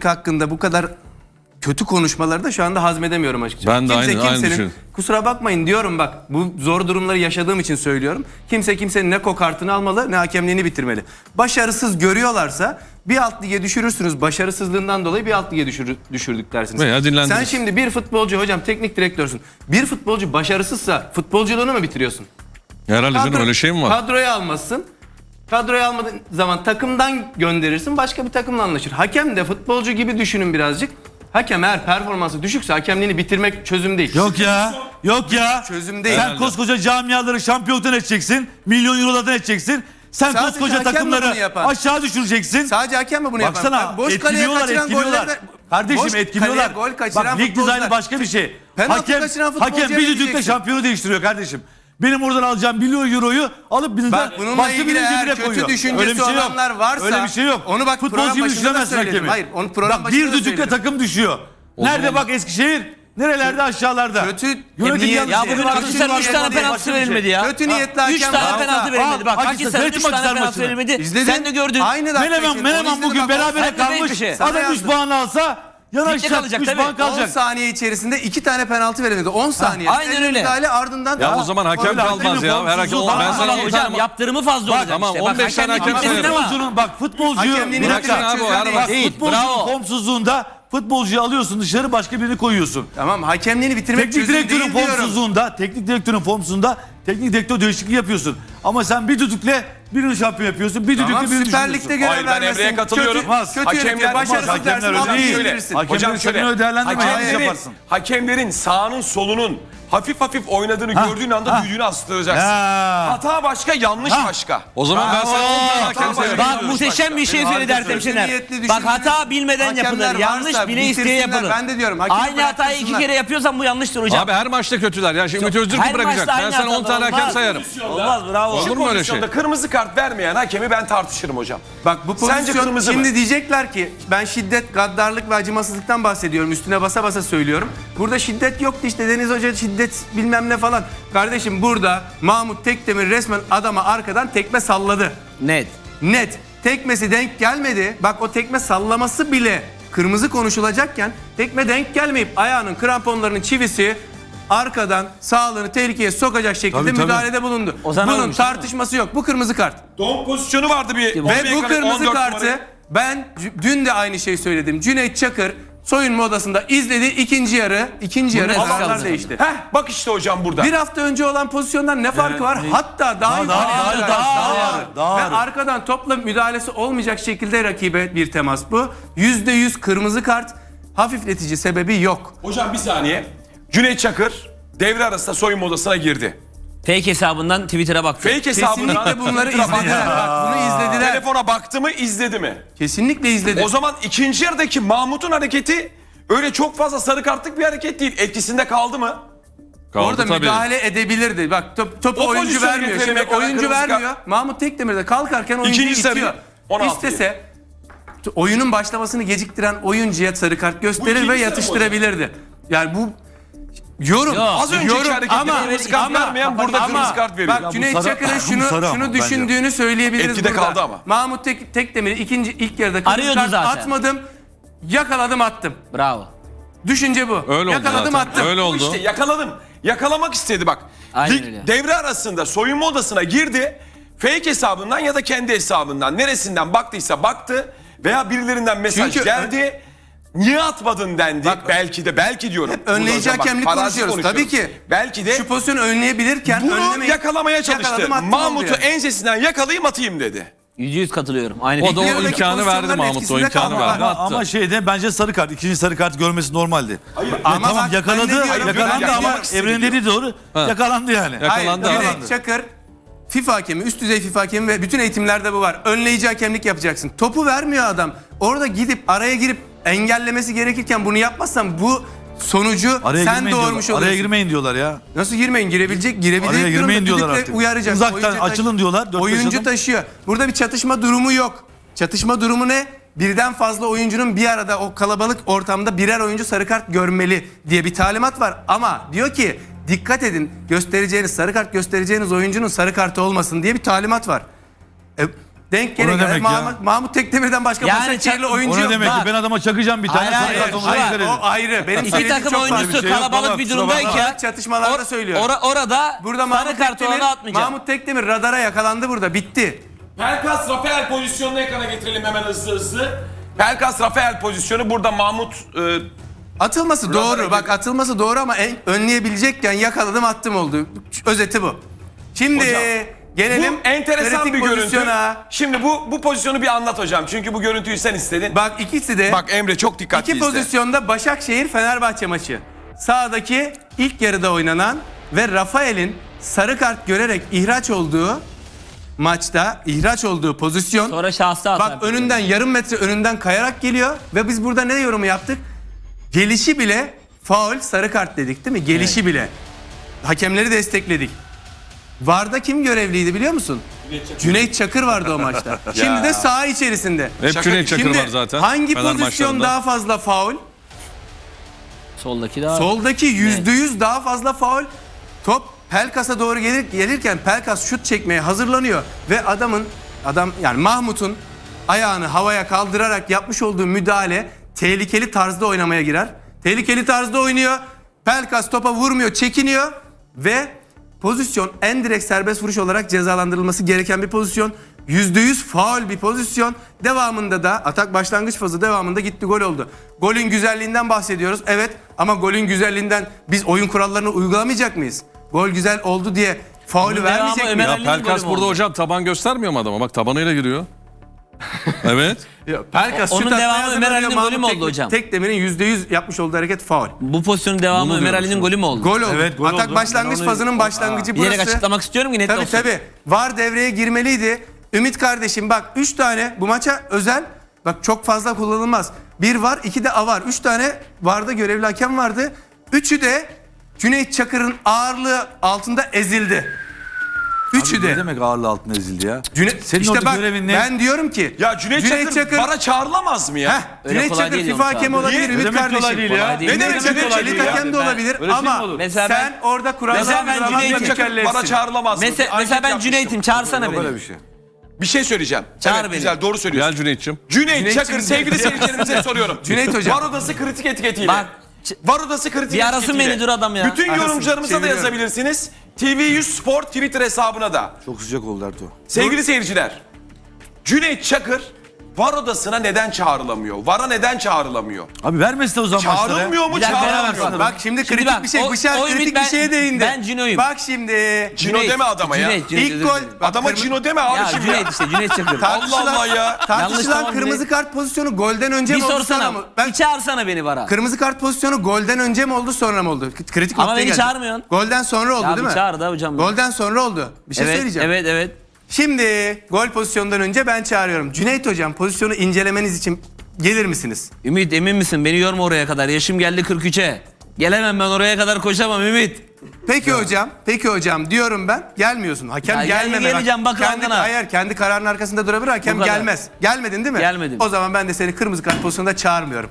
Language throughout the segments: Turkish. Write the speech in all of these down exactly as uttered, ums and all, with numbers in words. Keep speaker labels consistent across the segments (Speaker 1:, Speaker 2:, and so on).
Speaker 1: hakkında bu kadar kötü konuşmaları da şu anda hazmedemiyorum açıkçası.
Speaker 2: Ben de
Speaker 1: kimse
Speaker 2: aynı, aynı
Speaker 1: kimsenin,
Speaker 2: düşünüyorum.
Speaker 1: kusura bakmayın diyorum bak, bu zor durumları yaşadığım için söylüyorum. Kimse kimsenin ne kokartını almalı ne hakemliğini bitirmeli. Başarısız görüyorlarsa bir alt lige düşürürsünüz. Başarısızlığından dolayı bir alt lige düşür, düşürdük dersiniz.
Speaker 2: Veya dinlendiririz.
Speaker 1: Sen şimdi bir futbolcu, hocam teknik direktörsün. Bir futbolcu başarısızsa futbolculuğunu mu bitiriyorsun?
Speaker 2: Herhalde canım, öyle şey mi var?
Speaker 1: Kadroya almazsın. Kadroya almadığın zaman takımdan gönderirsin. Başka bir takımla anlaşır. Hakem de futbolcu gibi düşünün birazcık. Hakem eğer performansı düşükse hakemliğini bitirmek çözüm değil.
Speaker 3: Yok ya. Yok ya.
Speaker 1: Çözüm değil.
Speaker 3: Sen
Speaker 2: Herhalde.
Speaker 3: koskoca camiaları şampiyonluktan edeceksin. Milyon eurolardan edeceksin. Sen
Speaker 1: Sadece
Speaker 3: koskoca
Speaker 1: hakem mi
Speaker 3: takımları
Speaker 1: bunu yapan?
Speaker 3: aşağı düşüreceksin.
Speaker 1: Sadece hakem mi bunu yapan?
Speaker 3: Baksana
Speaker 1: Bak, boş kaleye
Speaker 3: etkiliyorlar
Speaker 1: kaçıran
Speaker 3: etkiliyorlar.
Speaker 1: golleri de-
Speaker 3: Kardeşim
Speaker 1: boş
Speaker 3: etkiliyorlar.
Speaker 1: kaleye gol kaçıran
Speaker 3: Bak lig
Speaker 1: futbolcular-
Speaker 3: dizaynı başka bir şey.
Speaker 1: Penaltı
Speaker 3: Hakem,
Speaker 1: kaçıran futbolcuya
Speaker 3: hakem
Speaker 1: ne
Speaker 3: bir düdükle
Speaker 1: diyeceksin?
Speaker 3: şampiyonu değiştiriyor kardeşim. Benim oradan alacağım milyon euroyu alıp bizden
Speaker 1: Bak bununla
Speaker 3: başka
Speaker 1: ilgili
Speaker 3: bir
Speaker 1: eğer
Speaker 3: cebine
Speaker 1: kötü
Speaker 3: koyuyor.
Speaker 1: düşüncesi
Speaker 3: Öyle bir şey yok.
Speaker 1: olanlar varsa
Speaker 3: Öyle bir şey yok.
Speaker 1: onu bak
Speaker 3: Futbolcu
Speaker 1: program
Speaker 3: gibi
Speaker 1: başında da
Speaker 3: düşüremezsin
Speaker 1: söyledim.
Speaker 3: hakemi.
Speaker 1: Hayır, onu program
Speaker 3: Bak
Speaker 1: başında
Speaker 3: bir
Speaker 1: da
Speaker 3: düdükle
Speaker 1: söyledim.
Speaker 3: takım düşüyor. Nerede
Speaker 2: zaman-
Speaker 3: bak Eskişehir? Nerelerde aşağılarda?
Speaker 1: Kötü
Speaker 3: Yönetim
Speaker 1: niyet-
Speaker 3: yanlışı.
Speaker 4: Ya bugün
Speaker 1: Kötü
Speaker 4: Akhisar'ın
Speaker 1: niyet-
Speaker 4: üç tane
Speaker 1: niyet-
Speaker 4: penaltısı verilmedi ya.
Speaker 1: Kötü niyetli
Speaker 4: üç
Speaker 1: hakem
Speaker 4: tane
Speaker 1: varsa-
Speaker 4: penaltı verilmedi.
Speaker 3: Aa,
Speaker 4: Bak
Speaker 3: Akhisar,
Speaker 4: Akhisar'ın
Speaker 3: seyrettin
Speaker 4: üç
Speaker 3: mi
Speaker 4: tane
Speaker 3: Akhisar
Speaker 4: penaltı
Speaker 3: maçını?
Speaker 4: verilmedi.
Speaker 1: İzledin.
Speaker 4: Sen de gördün.
Speaker 1: Aynı dakika
Speaker 3: Menemen,
Speaker 1: için.
Speaker 3: Menemen
Speaker 1: Onu izledim
Speaker 3: bugün
Speaker 1: ama-
Speaker 3: berabere
Speaker 4: Sen de değil
Speaker 3: kalmış.
Speaker 4: bir şey.
Speaker 1: Sana
Speaker 3: Adam üç
Speaker 1: yazdım.
Speaker 3: puan alsa yanaşacak.
Speaker 4: kalacak
Speaker 3: üç
Speaker 4: tabii.
Speaker 3: puan
Speaker 1: on
Speaker 3: kalacak.
Speaker 1: saniye içerisinde iki tane penaltı verilmedi. on saniye.
Speaker 4: aynen öyle.
Speaker 1: Müdahale ardından.
Speaker 2: Ya o zaman hakem
Speaker 3: Öyle
Speaker 2: kalmaz
Speaker 3: hakemin
Speaker 2: ya. Her hakem,
Speaker 3: formsuzluğu
Speaker 2: ben
Speaker 3: daha
Speaker 2: sana
Speaker 3: fazla
Speaker 2: on
Speaker 4: Hocam
Speaker 2: tane...
Speaker 4: yaptırımı fazla olacak
Speaker 2: tamam,
Speaker 4: işte.
Speaker 2: on beş tane
Speaker 4: hakemlik
Speaker 2: hakem
Speaker 4: bitmesin
Speaker 2: sayarım.
Speaker 4: ama-
Speaker 3: Futbolcunun bak futbolcuyu
Speaker 1: Hakemliğini
Speaker 3: bir dakika.
Speaker 1: bırakacak
Speaker 2: abi, o
Speaker 1: çözüm
Speaker 2: her
Speaker 1: değil.
Speaker 2: bak-
Speaker 4: Değil,
Speaker 3: Futbolcunun
Speaker 4: bravo.
Speaker 3: formsuzluğunda futbolcuyu alıyorsun dışarı başka birini koyuyorsun.
Speaker 1: Tamam, hakemliğini bitirmek
Speaker 3: Teknik
Speaker 1: çözüm
Speaker 3: direktörün
Speaker 1: değil diyorum.
Speaker 3: formsuzluğunda, teknik direktörün formsuzluğunda teknik direktör değişikliği yapıyorsun. Ama sen bir düdükle birini şampiyon yapıyorsun. Bir düdükle
Speaker 1: Tamam,
Speaker 3: birini
Speaker 1: Süper
Speaker 3: düşürüyorsun.
Speaker 1: Lig'de görev
Speaker 5: Hayır, ben
Speaker 1: vermesin.
Speaker 5: Emre'ye katılıyorum.
Speaker 1: Kötü, kötü
Speaker 5: Hakemler-
Speaker 1: yönetiyor. Başarısız
Speaker 3: Hakemler
Speaker 1: dersin.
Speaker 3: öyle
Speaker 1: Hakemleri
Speaker 3: değil.
Speaker 1: bilirsin.
Speaker 3: Hakemlerin
Speaker 5: Hocam şöyle,
Speaker 3: sözünü değerlendirmeden
Speaker 5: hakemlerin,
Speaker 3: yaparsın.
Speaker 5: hakemlerin sağının solunun hafif hafif oynadığını
Speaker 3: Ha,
Speaker 5: gördüğün anda
Speaker 3: ha.
Speaker 5: düdüğünü astıracaksın.
Speaker 3: Ya.
Speaker 5: Hata başka, yanlış
Speaker 3: Ha.
Speaker 5: başka.
Speaker 2: O zaman ben sana on tane hakem
Speaker 5: Tamam,
Speaker 2: sayarım.
Speaker 5: bak,
Speaker 4: Bak muhteşem bir şey
Speaker 1: Benim
Speaker 4: söyledi
Speaker 1: arkadaşım
Speaker 4: Ertem Şener.
Speaker 1: niyetli
Speaker 4: Bak
Speaker 1: düşündüğünüz
Speaker 4: hata bilmeden
Speaker 1: hakemler
Speaker 4: yapılır.
Speaker 1: varsa
Speaker 4: Yanlış bile isteye
Speaker 1: bitirsinler.
Speaker 4: yapılır.
Speaker 1: Ben de diyorum, hakemi
Speaker 4: Aynı hatayı iki
Speaker 1: bıraktırsınlar.
Speaker 4: kere yapıyorsan bu yanlıştır hocam.
Speaker 2: Abi her maçta kötüler. Ya şimdi Ümit Özdürk mü
Speaker 4: Her
Speaker 2: bırakacak?
Speaker 4: maçta
Speaker 2: Ben
Speaker 4: aynı
Speaker 2: sana on
Speaker 4: hatalar
Speaker 2: tane hakem
Speaker 4: olmaz.
Speaker 2: sayarım.
Speaker 4: Olmaz, bravo.
Speaker 2: Olur mu öyle şey?
Speaker 5: Pozisyonda kırmızı kart vermeyen hakemi ben tartışırım hocam.
Speaker 1: Bak bu
Speaker 5: Sence
Speaker 1: pozisyon
Speaker 5: kırmızı
Speaker 1: şimdi
Speaker 5: mı?
Speaker 1: diyecekler ki ben şiddet, gaddarlık ve acımasızlıktan bahsediyorum. Üstüne basa basa söylüyorum. Burada şiddet yoktu işte, Deniz Hoca şiddet bilmem ne falan. Kardeşim burada Mahmut Tekdemir resmen adama arkadan tekme salladı.
Speaker 4: Net.
Speaker 1: Net. Tekmesi denk gelmedi. Bak o tekme sallaması bile kırmızı konuşulacakken tekme denk gelmeyip ayağının kramponlarının çivisi arkadan sağlığını tehlikeye sokacak şekilde
Speaker 3: Tabii, tabii.
Speaker 1: müdahalede bulundu.
Speaker 4: O zaman
Speaker 1: Bunun
Speaker 4: olmuş, değil mi?
Speaker 1: tartışması yok. Bu kırmızı kart.
Speaker 5: Don pozisyonu vardı bir.
Speaker 1: Ve
Speaker 5: Ve
Speaker 1: bu kırmızı kartı ben c- dün de aynı şeyi söyledim. Cüneyt Çakır soyunma odasında izledi, ikinci yarı. ikinci yarı
Speaker 4: net
Speaker 1: kararlar
Speaker 4: kaldı.
Speaker 1: değişti.
Speaker 5: Heh, bak işte hocam burada.
Speaker 1: Bir hafta önce olan pozisyondan ne farkı var? Hatta daha iyi.
Speaker 3: daha-
Speaker 1: Daha,
Speaker 3: daha-
Speaker 1: daha,
Speaker 3: daha-
Speaker 1: ağır.
Speaker 3: daha
Speaker 1: Ve
Speaker 3: ağır.
Speaker 1: arkadan topla müdahalesi olmayacak şekilde rakibe bir temas bu. Yüzde yüz kırmızı kart. Hafifletici sebebi yok.
Speaker 5: Hocam bir saniye. Cüneyt Çakır devre arasında soyunma odasına girdi.
Speaker 4: Fake hesabından Twitter'a baktı.
Speaker 5: Fake hesabından
Speaker 1: Kesinlikle bunları izlediler. Bak, bunu izlediler.
Speaker 5: telefona baktı mı, izledi mi?
Speaker 1: Kesinlikle izledi.
Speaker 5: O zaman ikinci yarıdaki Mahmut'un hareketi öyle çok fazla sarı kartlık bir hareket değil. Etkisinde kaldı mı?
Speaker 2: Kaldı
Speaker 1: Orada
Speaker 2: tabii.
Speaker 1: müdahale edebilirdi. Bak top, topu
Speaker 5: O
Speaker 1: oyuncu
Speaker 5: pozisyonu
Speaker 1: vermiyor.
Speaker 5: getirene
Speaker 1: Şimdi
Speaker 5: kadar
Speaker 1: oyuncu
Speaker 5: kırmızı kart.
Speaker 1: vermiyor. Mahmut Tekdemir de kalkarken oyuncuyu
Speaker 5: İkinci sarı,
Speaker 1: itiyor.
Speaker 5: on altı
Speaker 1: İstese t- oyunun başlamasını geciktiren oyuncuya sarı kart
Speaker 5: Bu
Speaker 1: gösterir
Speaker 5: ikinci
Speaker 1: ve
Speaker 5: sarı mı
Speaker 1: yatıştırabilirdi. Yani bu yorum.
Speaker 4: Yok.
Speaker 5: Az önceki
Speaker 1: yorum
Speaker 5: harekette
Speaker 1: ama,
Speaker 5: kırmızı kart
Speaker 1: ama,
Speaker 5: vermeyen burada
Speaker 1: ama
Speaker 5: kırmızı kart veriyor.
Speaker 1: Bak
Speaker 3: Ya bu
Speaker 1: Cüneyt
Speaker 3: sarı-
Speaker 1: Çakır'ın
Speaker 3: bu
Speaker 1: şunu,
Speaker 3: sarı ama
Speaker 1: şunu
Speaker 3: bence.
Speaker 1: düşündüğünü söyleyebiliriz
Speaker 5: Etkide
Speaker 1: burada.
Speaker 5: kaldı ama.
Speaker 1: Mahmut Tek, Tekdemir'i ikinci ilk yarıda kırmızı
Speaker 4: Arıyordu
Speaker 1: kart
Speaker 4: zaten.
Speaker 1: atmadım. Yakaladım attım.
Speaker 4: Bravo.
Speaker 1: Düşünce bu.
Speaker 2: Öyle oldu
Speaker 1: Yakaladım
Speaker 2: zaten.
Speaker 1: attım.
Speaker 2: Öyle
Speaker 5: Bu
Speaker 2: oldu.
Speaker 5: İşte yakaladım. Yakalamak istedi bak.
Speaker 4: Aynen
Speaker 5: Lig-
Speaker 4: öyle.
Speaker 5: devre arasında soyunma odasına girdi. Fake hesabından ya da kendi hesabından neresinden baktıysa baktı veya birilerinden mesaj
Speaker 1: Çünkü
Speaker 5: geldi. Niye atmadın dendi.
Speaker 1: Bak-
Speaker 5: belki de belki diyorum.
Speaker 1: Hep önleyici
Speaker 5: Burada hocam bak,
Speaker 1: hakemlik
Speaker 5: farazi
Speaker 1: konuşuyoruz. Tabii ki.
Speaker 5: Belki de
Speaker 1: Şu pozisyonu önleyebilirken
Speaker 5: bunu
Speaker 1: önlemeyip
Speaker 5: yakalamaya çalıştı.
Speaker 1: yakaladım, attım
Speaker 5: Mahmut'u
Speaker 1: oldu yani.
Speaker 5: ensesinden yakalayayım atayım dedi.
Speaker 4: Yüzde yüz katılıyorum. Aynı
Speaker 2: O da o
Speaker 4: fikir.
Speaker 1: yarıdaki
Speaker 2: imkanı verdi
Speaker 1: pozisyonların
Speaker 2: Mahmut. O
Speaker 1: etkisinde
Speaker 2: imkanı
Speaker 1: kaldı.
Speaker 2: verdi.
Speaker 3: Ama,
Speaker 2: Attı.
Speaker 3: ama şeyde bence sarı kart. ikinci sarı kart görmesi normaldi. Hayır,
Speaker 1: ama
Speaker 3: tamam
Speaker 1: bak, ben
Speaker 3: yakaladı.
Speaker 1: ne diyorum?
Speaker 3: Yakalandı
Speaker 5: Ben
Speaker 3: ama
Speaker 5: yakalamak istedim
Speaker 3: Evren'in dediği doğru. Yakalandı yani.
Speaker 2: Yakalandı.
Speaker 1: Hayır,
Speaker 2: Yakalandı.
Speaker 1: Cüneyt Çakır FIFA hakemi, üst düzey FIFA hakemi ve bütün eğitimlerde bu var. Önleyici hakemlik yapacaksın. Topu vermiyor adam. Orada gidip araya girip engellemesi gerekirken bunu yapmazsan bu sonucu
Speaker 3: Araya
Speaker 1: sen
Speaker 3: girmeyin
Speaker 1: doğurmuş
Speaker 3: diyorlar.
Speaker 1: oluyorsun.
Speaker 3: Araya girmeyin diyorlar ya.
Speaker 1: Nasıl girmeyin? Girebilecek, girebilecek
Speaker 3: Araya girmeyin
Speaker 1: durumda
Speaker 3: diyorlar
Speaker 1: düdükle
Speaker 3: artık.
Speaker 1: uyaracak.
Speaker 3: Uzaktan
Speaker 1: Oyuncu taş-
Speaker 3: açılın diyorlar, dört beş
Speaker 1: Oyuncu
Speaker 3: adam.
Speaker 1: taşıyor. Burada bir çatışma durumu yok. Çatışma durumu ne? Birden fazla oyuncunun bir arada o kalabalık ortamda birer oyuncu sarı kart görmeli diye bir talimat var. Ama diyor ki dikkat edin, göstereceğiniz sarı kart göstereceğiniz oyuncunun sarı kartı olmasın diye bir talimat var. E, denk
Speaker 3: O ne
Speaker 1: gele gele
Speaker 3: demek ya?
Speaker 1: Mahmut, Mahmut Tekdemir'den başka
Speaker 4: Yani
Speaker 1: Başakşehirli
Speaker 4: çak-
Speaker 1: oyuncu
Speaker 3: O ne
Speaker 1: yok.
Speaker 3: demek ki?
Speaker 4: Bak.
Speaker 3: Ben adama çakacağım bir tane.
Speaker 4: Hayır,
Speaker 3: Sarı
Speaker 4: hayır,
Speaker 3: kart ona
Speaker 4: hayır.
Speaker 3: dikkat edin.
Speaker 1: O ayrı. Benim
Speaker 4: İki
Speaker 1: söylediğim
Speaker 4: takım
Speaker 1: çok
Speaker 4: oyuncusu
Speaker 1: farklı.
Speaker 3: şey yok
Speaker 4: kalabalık
Speaker 3: baba,
Speaker 4: bir
Speaker 3: kusura bakma.
Speaker 4: durumdayken
Speaker 1: Çatışmalarda söylüyorum.
Speaker 4: ora- orada
Speaker 1: Burada Mahmut
Speaker 4: sarı kartı
Speaker 1: Tekdemir,
Speaker 4: ona atmayacağım.
Speaker 1: Mahmut Tekdemir radara yakalandı burada. Bitti.
Speaker 5: Pelkas Rafael pozisyonunu ekrana getirelim hemen hızlı hızlı. Pelkas Rafael pozisyonu burada Mahmut e,
Speaker 1: Atılması
Speaker 5: Radara
Speaker 1: doğru.
Speaker 5: girdi.
Speaker 1: Bak atılması doğru ama en, önleyebilecekken yakaladım attım oldu. Özeti bu. Şimdi
Speaker 5: Hocam,
Speaker 1: gelelim
Speaker 5: bu enteresan
Speaker 1: kritik
Speaker 5: bir görüntü.
Speaker 1: pozisyona.
Speaker 5: Şimdi bu bu pozisyonu bir anlat hocam. Çünkü bu görüntüyü sen istedin. Bak,
Speaker 1: Bak ikisi de
Speaker 5: Emre çok dikkatli
Speaker 1: iki
Speaker 5: izle.
Speaker 1: pozisyonda Başakşehir Fenerbahçe maçı. Sağdaki ilk yarıda oynanan ve Rafael'in sarı kart görerek ihraç olduğu maçta ihraç olduğu pozisyon.
Speaker 4: Sonra şahsı atar.
Speaker 1: Bak önünden yarım metre önünden kayarak geliyor ve biz burada ne yorumu yaptık? Gelişi bile faul sarı kart dedik değil mi? Gelişi bile. Hakemleri destekledik. VAR'da kim görevliydi biliyor musun? Cüneyt Çakır vardı o maçta. Şimdi de saha içerisinde.
Speaker 2: Hep
Speaker 5: Şaka-
Speaker 2: Cüneyt Çakır
Speaker 1: Şimdi
Speaker 2: var zaten.
Speaker 1: hangi
Speaker 2: Fener
Speaker 1: pozisyon
Speaker 2: maçlarında.
Speaker 1: daha fazla faul?
Speaker 4: Soldaki daha.
Speaker 1: Soldaki yüzde yüz daha fazla faul. Top Pelkas'a doğru gelir, gelirken Pelkas şut çekmeye hazırlanıyor. Ve adamın, adam yani Mahmut'un ayağını havaya kaldırarak yapmış olduğu müdahale tehlikeli tarzda oynamaya girer. Tehlikeli tarzda oynuyor. Pelkas topa vurmuyor, çekiniyor ve pozisyon en direkt serbest vuruş olarak cezalandırılması gereken bir pozisyon. yüzde yüz faul bir pozisyon. Devamında da atak başlangıç fazı devamında gitti gol oldu. Golün güzelliğinden bahsediyoruz. Evet ama golün güzelliğinden biz oyun kurallarını uygulamayacak mıyız? Gol güzel oldu diye faulü
Speaker 4: Bunun
Speaker 1: vermeyecek
Speaker 4: devamı
Speaker 1: miyiz?
Speaker 4: Ömer
Speaker 2: Ya
Speaker 4: Ali'nin
Speaker 2: Pelkas
Speaker 4: golü mü
Speaker 2: burada
Speaker 4: oldu?
Speaker 2: hocam taban göstermiyor mu adama? Bak tabanıyla giriyor. Evet.
Speaker 1: Ya, Pelkas
Speaker 4: Onun
Speaker 1: şut atmaya
Speaker 4: devamı
Speaker 1: hazırlanıyor.
Speaker 4: Ömer Ali'nin
Speaker 1: Mahmut
Speaker 4: golü mü oldu
Speaker 1: Tekdemir-
Speaker 4: hocam?
Speaker 1: Tekdemir'in yüzde yüz yapmış olduğu hareket faul.
Speaker 4: Bu pozisyonun devamı
Speaker 2: Bunu
Speaker 4: Ömer
Speaker 2: diyorum
Speaker 4: Ali'nin golü mü oldu?
Speaker 1: Gol oldu.
Speaker 3: Evet, gol
Speaker 1: Atak
Speaker 3: oldu.
Speaker 1: başlangıç
Speaker 3: Ben onu-
Speaker 1: fazının başlangıcı
Speaker 4: Bilerek
Speaker 1: burası.
Speaker 4: açıklamak istiyorum ki net
Speaker 1: Tabii
Speaker 4: olsun.
Speaker 1: tabii. VAR devreye girmeliydi. Ümit kardeşim bak üç tane bu maça özel. Bak çok fazla kullanılmaz. Bir var, iki de A var. Üç tane VAR'da görevli hakem vardı. Üçü de Cüneyt Çakır'ın ağırlığı altında ezildi. Üçü
Speaker 3: Abi
Speaker 1: de.
Speaker 3: Ne demek ağırlığı altına ezildi ya?
Speaker 1: Cüneyt,
Speaker 3: Senin
Speaker 1: işte
Speaker 3: orada
Speaker 1: bak
Speaker 3: görevin ne?
Speaker 1: ben diyorum ki
Speaker 5: Ya Cüneyt, Çakır, bara çağrılamaz mı ya?
Speaker 1: Heh,
Speaker 4: Öyle
Speaker 1: Cüneyt
Speaker 4: kolay
Speaker 1: Çakır
Speaker 4: değil
Speaker 1: FIFA
Speaker 4: yalnız
Speaker 1: hakemi
Speaker 4: abi.
Speaker 1: olabilir
Speaker 5: Niye?
Speaker 1: Ümit
Speaker 3: Ne demek
Speaker 1: kardeşim.
Speaker 3: kolay değil ya?
Speaker 4: Kolay değil.
Speaker 5: Ne demek
Speaker 1: Cüneyt
Speaker 5: Cüneyt
Speaker 1: Çakır
Speaker 5: Çakır
Speaker 1: elit
Speaker 5: ya?
Speaker 1: hakem de
Speaker 4: Ben-
Speaker 1: olabilir
Speaker 3: Öyle şey mi
Speaker 1: ama
Speaker 3: olur?
Speaker 4: Mesela
Speaker 1: sen
Speaker 4: ben-
Speaker 1: orada kuralları
Speaker 4: Mesela ben
Speaker 1: uygulamakla
Speaker 4: Cüneyt
Speaker 5: Cüneyt Çakır bara
Speaker 1: mükelleşsin.
Speaker 5: çağrılamaz mı?
Speaker 4: Mesela,
Speaker 5: Anket
Speaker 4: mesela ben
Speaker 5: yapmıştım.
Speaker 4: Cüneyt'im. Çağırsana
Speaker 3: Böyle
Speaker 4: beni.
Speaker 3: bir şey.
Speaker 5: Bir şey söyleyeceğim.
Speaker 4: Çağır
Speaker 5: evet,
Speaker 4: beni.
Speaker 5: güzel doğru söylüyorsun.
Speaker 2: Gel Cüneyt'ciğim.
Speaker 5: Cüneyt
Speaker 1: Cüneyt'ciğim
Speaker 5: Çakır
Speaker 1: de-
Speaker 5: sevgili seyircilerimize soruyorum.
Speaker 1: Cüneyt hocam.
Speaker 5: Var odası kritik etiketiyle.
Speaker 4: Bak,
Speaker 5: Var odası kritik
Speaker 4: bir arasın
Speaker 5: etiketiyle.
Speaker 4: beni dur adam ya.
Speaker 5: Bütün
Speaker 1: Arasın,
Speaker 5: yorumcularımıza da
Speaker 1: çeviriyorum.
Speaker 5: yazabilirsiniz. T V yüz Spor Twitter hesabına da.
Speaker 3: Çok sıcak oldu Ertuğ.
Speaker 5: Sevgili seyirciler. Cüneyt Çakır var odasına neden çağrılamıyor? Vara neden çağrılamıyor?
Speaker 3: Abi vermesin o zaman maçları.
Speaker 5: Çağrılmıyor mu
Speaker 4: Bir dakika,
Speaker 5: çağrılamıyor
Speaker 4: beraber
Speaker 5: mu?
Speaker 1: Bak şimdi
Speaker 4: Şimdi
Speaker 1: kritik
Speaker 4: bak,
Speaker 1: bir şey.
Speaker 4: o-
Speaker 1: Bıçak
Speaker 4: o
Speaker 1: kritik
Speaker 4: Ümit
Speaker 1: bir
Speaker 4: ben-
Speaker 1: şeye değindi.
Speaker 4: ben Cino'yum.
Speaker 1: Bak şimdi.
Speaker 5: Cino deme adama ya.
Speaker 4: Cüneyt, Cüneyt,
Speaker 1: İlk
Speaker 4: özür
Speaker 1: gol.
Speaker 4: dilerim.
Speaker 1: bak,
Speaker 5: Adama
Speaker 1: kırmı-
Speaker 5: Cino deme abi
Speaker 4: Ya
Speaker 5: şimdi.
Speaker 4: Cüneyt işte Cüneyt Çakır.
Speaker 1: Tartışılan,
Speaker 5: Allah Allah ya.
Speaker 4: Yanlış,
Speaker 1: tartışılan
Speaker 4: tamam,
Speaker 1: kırmızı
Speaker 4: Cüneyt.
Speaker 1: kart pozisyonu golden önce
Speaker 4: Bir
Speaker 1: mi oldu
Speaker 4: sorsana.
Speaker 1: sonra mı? Ben
Speaker 4: Bir çağırsana beni vara.
Speaker 1: kırmızı kart pozisyonu golden önce mi oldu sonra mı oldu? K- Kritik
Speaker 4: Ama
Speaker 1: noktaya
Speaker 4: beni
Speaker 1: geldik.
Speaker 4: çağırmıyorsun.
Speaker 1: Golden sonra oldu
Speaker 4: Ya
Speaker 1: değil
Speaker 4: bir
Speaker 1: mi?
Speaker 4: çağır da hocam.
Speaker 1: Golden sonra oldu. Bir şey
Speaker 4: evet,
Speaker 1: söyleyeceğim.
Speaker 4: evet evet.
Speaker 1: Şimdi gol pozisyonundan önce ben çağırıyorum. Cüneyt hocam pozisyonu incelemeniz için gelir misiniz?
Speaker 4: Ümit emin misin? Beni yorma oraya kadar. Yaşım geldi kırk üçe. Gelemem ben oraya kadar koşamam Ümit.
Speaker 1: Peki hocam, peki hocam diyorum ben. Gelmiyorsun. Hakem
Speaker 4: Ya gel-
Speaker 1: gelmeme.
Speaker 4: geleceğim, bak
Speaker 1: kendi,
Speaker 4: rahatına.
Speaker 1: hayır, kendi kararının arkasında durabilir. Hakem
Speaker 4: Bu kadar.
Speaker 1: gelmez. Gelmedin değil mi?
Speaker 4: Gelmedim.
Speaker 1: O zaman ben de seni kırmızı kart pozisyonunda çağırmıyorum.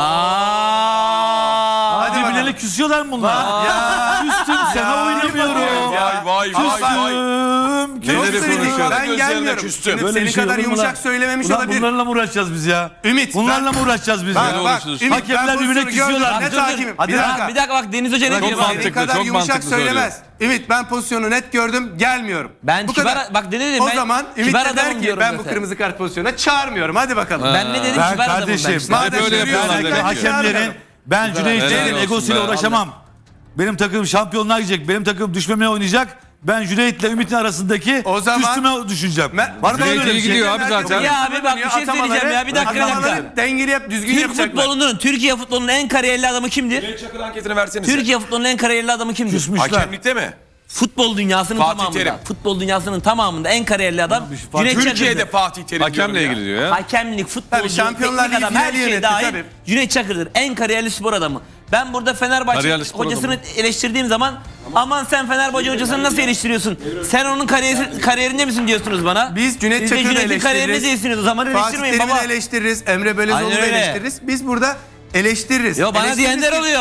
Speaker 4: Aa.
Speaker 1: Hadi bakalım.
Speaker 3: Birbirlerine küsüyorlar mı bunlar? Ya. Küstüm sana oynamıyorum.
Speaker 5: Vay vay vay vay.
Speaker 3: Küstüm.
Speaker 1: Çok
Speaker 2: Neleri
Speaker 1: kritik.
Speaker 2: konuşuyor?
Speaker 1: Ben
Speaker 5: Gözlerine
Speaker 1: gelmiyorum.
Speaker 5: küstüm.
Speaker 1: Ümit,
Speaker 3: Böyle
Speaker 1: senin
Speaker 3: bir şey
Speaker 1: kadar
Speaker 3: olur mu
Speaker 1: yumuşak
Speaker 3: lan?
Speaker 1: söylememiş
Speaker 3: Ulan
Speaker 1: olabilir.
Speaker 3: bunlarla mı uğraşacağız biz ya?
Speaker 1: Ümit,
Speaker 3: Bunlarla
Speaker 1: ben-
Speaker 3: mı uğraşacağız biz
Speaker 1: Bak,
Speaker 3: ya?
Speaker 1: bak,
Speaker 2: uğraşıyoruz.
Speaker 1: Ümit,
Speaker 3: Hakemler
Speaker 1: ben
Speaker 3: birbirine
Speaker 1: pozisyonu
Speaker 3: küsüyorlar.
Speaker 1: gördüm.
Speaker 3: Dur,
Speaker 1: Net
Speaker 3: dur.
Speaker 1: hakimim.
Speaker 3: Hadi
Speaker 1: bir
Speaker 3: lan.
Speaker 1: dakika.
Speaker 4: Bir dakika bak Deniz Hoca ne
Speaker 2: Çok
Speaker 4: diyor bak.
Speaker 2: mantıklı.
Speaker 1: Senin kadar
Speaker 2: çok
Speaker 1: yumuşak
Speaker 2: mantıklı
Speaker 1: söylemez. Ümit ben pozisyonu net gördüm gelmiyorum.
Speaker 4: Ben
Speaker 1: Bu
Speaker 4: kibar-
Speaker 1: kadar.
Speaker 4: bak ne dedim
Speaker 1: O
Speaker 4: ben-
Speaker 1: zaman Ümit
Speaker 4: kibar
Speaker 1: de der
Speaker 4: adamım
Speaker 1: ki
Speaker 4: diyorum
Speaker 1: ben bu
Speaker 4: zaten.
Speaker 1: kırmızı kart pozisyonuna çağırmıyorum. Hadi bakalım.
Speaker 4: Ben ne dedim
Speaker 3: Ben
Speaker 4: kibar adamım ben
Speaker 3: kardeşim,
Speaker 4: işte.
Speaker 1: Madem
Speaker 2: Hep öyle
Speaker 1: görüyorsun,
Speaker 2: yapıyorlar
Speaker 1: ben
Speaker 2: demek ki.
Speaker 3: hakemlerin
Speaker 1: çağırmıyorum.
Speaker 3: ben Cüneyt
Speaker 2: Helal
Speaker 3: Çakır'ın
Speaker 2: olsun
Speaker 3: egosuyla
Speaker 2: be.
Speaker 3: uğraşamam. Benim takım şampiyonluğa gidecek. Benim takım düşmemeye oynayacak. Ben Cüneyt'le Ümit'in arasındaki
Speaker 1: O zaman-
Speaker 3: üstüme düşüneceğim.
Speaker 1: Ben-
Speaker 3: Var mı
Speaker 2: Cüneyt
Speaker 3: öyle bir
Speaker 2: iyi
Speaker 3: şey?
Speaker 2: gidiyor abi zaten.
Speaker 4: Ya abi bak bir şey söyleyeceğim ya. Bir dakika bir dakika.
Speaker 1: Atamaları dengeli yap düzgün
Speaker 4: Türk
Speaker 1: yapacaklar.
Speaker 4: futbolunun, Türkiye futbolunun en kariyerli adamı kimdir?
Speaker 5: Cüneyt Çakır anketini versenize.
Speaker 4: Türkiye futbolunun en kariyerli adamı kimdir?
Speaker 3: Küsmüşler.
Speaker 5: Hakemlikte mi?
Speaker 4: Futbol dünyasının
Speaker 5: Fatih
Speaker 4: tamamında.
Speaker 5: Terim.
Speaker 4: Futbol dünyasının tamamında en kariyerli adam Cüneyt
Speaker 5: Türkiye'de
Speaker 4: Çakır'dır.
Speaker 5: Fatih Terim
Speaker 2: Hakemle
Speaker 5: diyorum
Speaker 2: ilgili
Speaker 5: ya.
Speaker 2: diyor ya.
Speaker 4: Hakemlik, futbolcu,
Speaker 1: Tabii Şampiyonlar
Speaker 4: teknik
Speaker 1: Ligi
Speaker 4: adam her
Speaker 1: finali
Speaker 4: şey
Speaker 1: yönetti,
Speaker 4: dahil
Speaker 1: tabii.
Speaker 4: Cüneyt Çakır'dır. En kariyerli spor adamı. Ben burada Fenerbahçe
Speaker 2: Kariyerli spor
Speaker 4: hocasını
Speaker 2: adamı.
Speaker 4: eleştirdiğim zaman aman sen Fenerbahçe hocasını nasıl eleştiriyorsun? Sen onun kariyeri, kariyerinde misin diyorsunuz bana?
Speaker 1: Biz Cüneyt
Speaker 4: Siz de
Speaker 1: Çakır'ı
Speaker 4: Cüneyt'in kariyerinde
Speaker 1: eleştiririz.
Speaker 4: değilsiniz o zaman
Speaker 1: Fatih
Speaker 4: eleştirmeyin
Speaker 1: Terim'i
Speaker 4: baba.
Speaker 1: de eleştiririz. Emre Belözoğlu'nu da
Speaker 4: Aynen öyle.
Speaker 1: eleştiririz. Biz burada eleştiririz.
Speaker 4: Yo bana
Speaker 1: Eleştiririz
Speaker 4: diyenler
Speaker 1: ki-
Speaker 4: oluyor.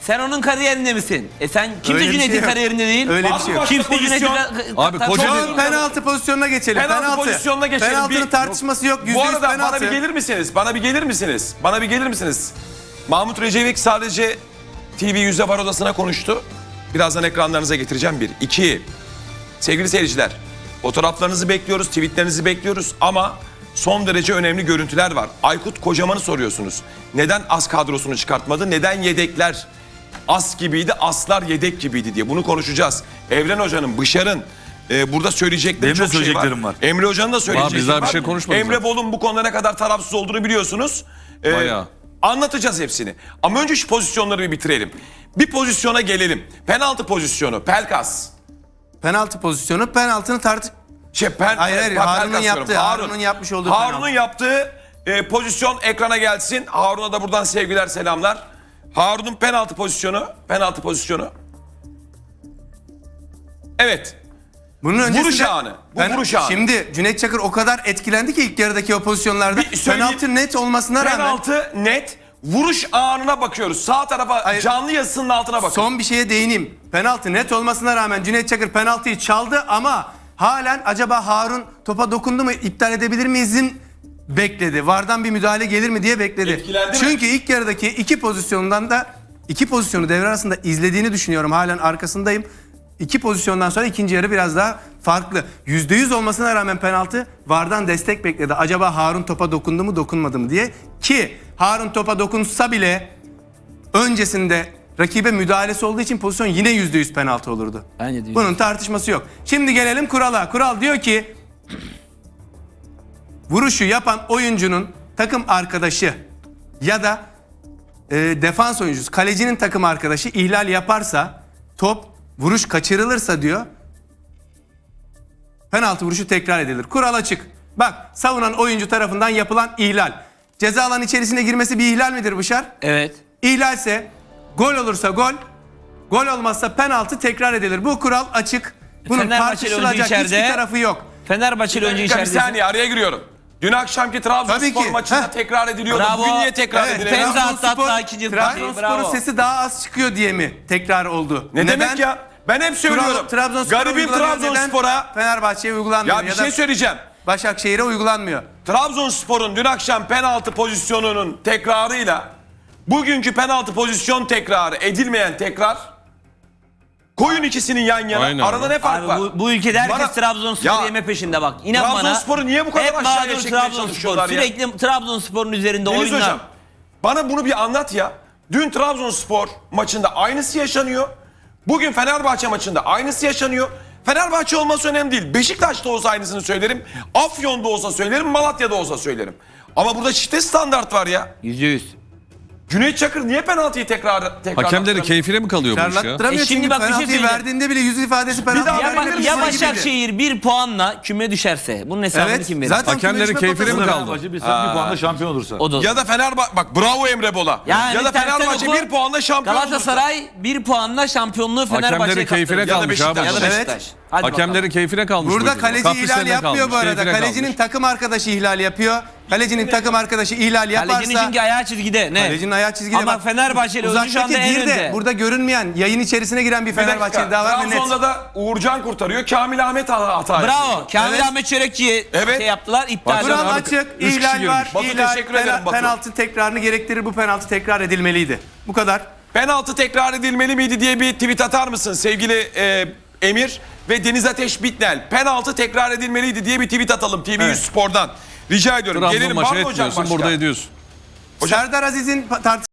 Speaker 4: Sen onun kariyerinde misin? E sen kimse
Speaker 1: Öyle bir
Speaker 4: Cüneyt'in
Speaker 1: şey yok.
Speaker 4: kariyerinde değil.
Speaker 1: Öyle bir şey yok.
Speaker 4: Kimse
Speaker 5: Pozisyon-
Speaker 4: Cüneyt'in
Speaker 2: Abi
Speaker 4: Ta-
Speaker 2: koca
Speaker 4: ta-
Speaker 1: Şu an penaltı pozisyonuna geçelim.
Speaker 5: Penaltı pozisyonuna geçelim.
Speaker 1: Penaltının
Speaker 5: Bir-
Speaker 1: tartışması yok. yüzde
Speaker 5: Bu
Speaker 1: yüz
Speaker 5: arada
Speaker 1: penaltı.
Speaker 5: bana bir gelir misiniz? Bana bir gelir misiniz? Bana bir gelir misiniz? Mahmut Recevik sadece T V Yüzde Var Odası'na konuştu. Birazdan ekranlarınıza getireceğim bir. İki, sevgili seyirciler, fotoğraflarınızı bekliyoruz, tweetlerinizi bekliyoruz ama son derece önemli görüntüler var. Aykut Kocaman'ı soruyorsunuz. Neden as kadrosunu çıkartmadı? Neden yedekler as gibiydi, aslar yedek gibiydi diye bunu konuşacağız. Evren Hoca'nın, Bışar'ın e, burada söyleyecekleri
Speaker 3: Benim de
Speaker 5: çok şey var.
Speaker 3: söyleyeceklerim var.
Speaker 5: Emre Hoca'nın da söyleyecekleri
Speaker 2: biz daha bir
Speaker 5: var.
Speaker 2: şey konuşmadık
Speaker 5: Emre
Speaker 2: zaten.
Speaker 5: Bol'un bu konuda ne kadar tarafsız olduğunu biliyorsunuz. E,
Speaker 2: Bayağı.
Speaker 5: Anlatacağız hepsini. Ama önce şu pozisyonları bir bitirelim. Bir pozisyona gelelim. Penaltı pozisyonu, Pelkas.
Speaker 1: Penaltı pozisyonu, penaltının tartış...
Speaker 5: Şey, pen,
Speaker 1: Hayır, hayır,
Speaker 5: Pelkas
Speaker 1: Harun'un
Speaker 5: diyorum.
Speaker 1: yaptığı, Harun'un yapmış olduğu
Speaker 5: Harun'un
Speaker 1: penaltı.
Speaker 5: yaptığı e, pozisyon ekrana gelsin. Harun'a da buradan sevgiler, selamlar. Harun'un penaltı pozisyonu, penaltı pozisyonu. Evet.
Speaker 1: Bunun öncesinde...
Speaker 5: Vuruş anı. Bu vuruş anı.
Speaker 1: Şimdi Cüneyt Çakır o kadar etkilendi ki ilk yarıdaki o pozisyonlarda.
Speaker 5: Bir söyleyeyim.
Speaker 1: Penaltı net olmasına rağmen...
Speaker 5: Penaltı net. Vuruş anına bakıyoruz. Sağ tarafa
Speaker 1: Hayır.
Speaker 5: canlı yazısının altına bakıyoruz.
Speaker 1: Son bir şeye değineyim. Penaltı net olmasına rağmen Cüneyt Çakır penaltıyı çaldı ama halen acaba Harun topa dokundu mu, iptal edebilir miyizin bekledi. Vardan bir müdahale gelir mi diye bekledi.
Speaker 5: Etkilendi mi?
Speaker 1: Çünkü ilk yarıdaki iki pozisyondan da iki pozisyonu devre arasında izlediğini düşünüyorum. Halen arkasındayım. İki pozisyondan sonra ikinci yarı biraz daha farklı. yüzde yüz olmasına rağmen penaltı Vardan destek bekledi. Acaba Harun topa dokundu mu dokunmadı mı diye. Ki Harun topa dokunsa bile öncesinde rakibe müdahalesi olduğu için pozisyon yine yüzde yüz penaltı olurdu.
Speaker 4: Bence de yüzde yüz.
Speaker 1: Bunun tartışması yok. Şimdi gelelim kurala. Kural diyor ki vuruşu yapan oyuncunun takım arkadaşı ya da e, defans oyuncusu, kalecinin takım arkadaşı ihlal yaparsa, top vuruş kaçırılırsa diyor, penaltı vuruşu tekrar edilir. Kural açık. Bak, savunan oyuncu tarafından yapılan ihlal. Ceza alanı içerisine girmesi bir ihlal midir Bışar?
Speaker 4: Evet.
Speaker 1: İhlalse, gol olursa gol, gol olmazsa penaltı tekrar edilir. Bu kural açık. Bunun
Speaker 4: Fenerbahçeli oyuncu
Speaker 1: tartışılacak
Speaker 4: içeride.
Speaker 1: hiçbir tarafı yok.
Speaker 4: Fenerbahçeli oyuncu
Speaker 5: Bir
Speaker 4: içeride.
Speaker 5: saniye araya giriyorum. Dün akşamki
Speaker 1: Tabii
Speaker 5: Trabzonspor
Speaker 1: ki.
Speaker 5: maçında
Speaker 1: Heh.
Speaker 5: tekrar ediliyordu.
Speaker 4: Bravo.
Speaker 5: Bugün niye tekrar
Speaker 1: Evet,
Speaker 5: edilemiyor?
Speaker 4: Penza attı
Speaker 1: Trabzonspor-
Speaker 4: hatta ikinci
Speaker 1: Trabzonspor'un
Speaker 4: bravo.
Speaker 1: sesi daha az çıkıyor diye mi tekrar oldu?
Speaker 5: Ne demek ya? Ben hep söylüyorum.
Speaker 1: Trabzonspor'a
Speaker 5: Garibim
Speaker 1: uygulanıyor, neden
Speaker 5: Trabzonspor'a.
Speaker 1: Fenerbahçe'ye uygulanmıyor
Speaker 5: Ya bir
Speaker 1: ya
Speaker 5: şey
Speaker 1: da
Speaker 5: söyleyeceğim.
Speaker 1: Başakşehir'e uygulanmıyor.
Speaker 5: Trabzonspor'un dün akşam penaltı pozisyonunun tekrarıyla bugünkü penaltı pozisyon tekrarı edilmeyen tekrar, koyun ikisinin yan yana.
Speaker 2: Aynen
Speaker 5: Arada
Speaker 2: abi.
Speaker 5: ne fark
Speaker 4: Abi
Speaker 5: var?
Speaker 4: bu, bu ülkede herkes
Speaker 5: Bana-
Speaker 4: Trabzonspor'u
Speaker 5: Ya,
Speaker 4: yeme peşinde bak. İnan bana.
Speaker 5: Trabzonspor'u niye bu kadar
Speaker 4: hep
Speaker 5: aşağıya
Speaker 4: mağdur
Speaker 5: çekmeye
Speaker 4: Trabzonspor.
Speaker 5: çalışıyorlar ya?
Speaker 4: Sürekli Trabzonspor'un üzerinde
Speaker 5: Deniz
Speaker 4: oyunlar.
Speaker 5: Hocam, bana bunu bir anlat ya. Dün Trabzonspor maçında aynısı yaşanıyor. Bugün Fenerbahçe maçında aynısı yaşanıyor. Fenerbahçe olması önemli değil. Beşiktaş'ta olsa aynısını söylerim. Afyon'da olsa söylerim. Malatya'da olsa söylerim. Ama burada çifte standart var ya.
Speaker 4: Yüzde yüz.
Speaker 5: Cüneyt Çakır niye penaltıyı tekrar tekrar
Speaker 2: Hakemlerin keyfine mi kalıyor bu iş ya?
Speaker 1: Çarlattıramıyor
Speaker 4: E şimdi
Speaker 1: çünkü
Speaker 4: bak bir şey
Speaker 1: penaltıyı
Speaker 4: söyleyeceğim.
Speaker 1: verdiğinde bile yüz ifadesi penaltı
Speaker 5: daha
Speaker 4: Ya,
Speaker 5: Haber
Speaker 4: bak,
Speaker 5: verir
Speaker 4: ya
Speaker 5: misin?
Speaker 4: Başakşehir bir puanla küme düşerse bunun hesabını
Speaker 1: Evet,
Speaker 4: kim verir?
Speaker 1: zaten
Speaker 2: Hakemlerin
Speaker 1: küme
Speaker 2: keyfine mi
Speaker 1: düşme
Speaker 2: kaldı?
Speaker 3: Fenerbahçe bir, bir puanla şampiyon olursa.
Speaker 4: O da.
Speaker 5: Ya da Fenerbahçe bak bravo Emre Bola.
Speaker 4: Yani
Speaker 5: ya da
Speaker 4: tersten
Speaker 5: Fenerbahçe
Speaker 4: oku,
Speaker 5: bir puanla şampiyon olursa.
Speaker 4: Galatasaray bir puanla şampiyonluğu Fenerbahçe'ye
Speaker 2: Hakemlerin keyfine
Speaker 4: kaptırdı.
Speaker 2: kalmış abi.
Speaker 5: Beşiktaş.
Speaker 4: Ya da
Speaker 1: Evet.
Speaker 4: Beşiktaş. Hadi
Speaker 2: Hakemlerin
Speaker 4: bakalım.
Speaker 2: keyfine kalmış.
Speaker 1: Burada
Speaker 2: bu
Speaker 1: kaleci
Speaker 2: Kaprislerine
Speaker 1: ihlal yapmıyor
Speaker 2: kalmış,
Speaker 1: bu arada.
Speaker 2: keyfine
Speaker 1: Kalecinin
Speaker 2: kalmış.
Speaker 1: takım arkadaşı ihlal yapıyor. Kalecinin takım arkadaşı ihlal yaparsa...
Speaker 4: Kalecinin çünkü ayağı çizgide. Ne?
Speaker 1: Kalecinin ayağı çizgide.
Speaker 4: Ama
Speaker 1: bak.
Speaker 4: Fenerbahçeli oyuncu şu
Speaker 1: Uzaktaki
Speaker 4: anda en
Speaker 1: değil de
Speaker 4: önde.
Speaker 1: burada görünmeyen, yayın içerisine giren bir
Speaker 5: Bir dakika,
Speaker 1: Fenerbahçeli daha var ve net.
Speaker 5: Trabzon'da da Uğurcan kurtarıyor. Kamil Ahmet hata hata
Speaker 4: Bravo.
Speaker 5: yapıyor.
Speaker 4: Kamil
Speaker 1: Evet.
Speaker 4: Ahmet Çörekçi'ye
Speaker 5: Evet.
Speaker 4: şey yaptılar. İptal
Speaker 2: Bak,
Speaker 1: Kural
Speaker 2: Abi,
Speaker 1: açık,
Speaker 2: üç kişi
Speaker 1: ihlal var,
Speaker 2: girmiş.
Speaker 5: Batu,
Speaker 1: ihlal,
Speaker 5: teşekkür ederim
Speaker 1: pena-
Speaker 5: Batu.
Speaker 1: penaltı tekrarını gerektirir. Bu penaltı tekrar edilmeliydi. Bu kadar.
Speaker 5: Penaltı tekrar edilmeli miydi diye bir tweet atar mısın sevgili e, Emir ve Deniz Ateş Bitnel? Penaltı tekrar edilmeliydi diye bir tweet atalım T V yüz
Speaker 1: Evet.
Speaker 5: Spor'dan. Rica ediyorum.
Speaker 2: Trabzon
Speaker 5: Gelelim.
Speaker 2: maçı
Speaker 5: Var mı hocam
Speaker 2: etmiyorsun,
Speaker 5: başka?
Speaker 2: burada ediyorsun.
Speaker 1: Serdar Aziz'in pa- tartışması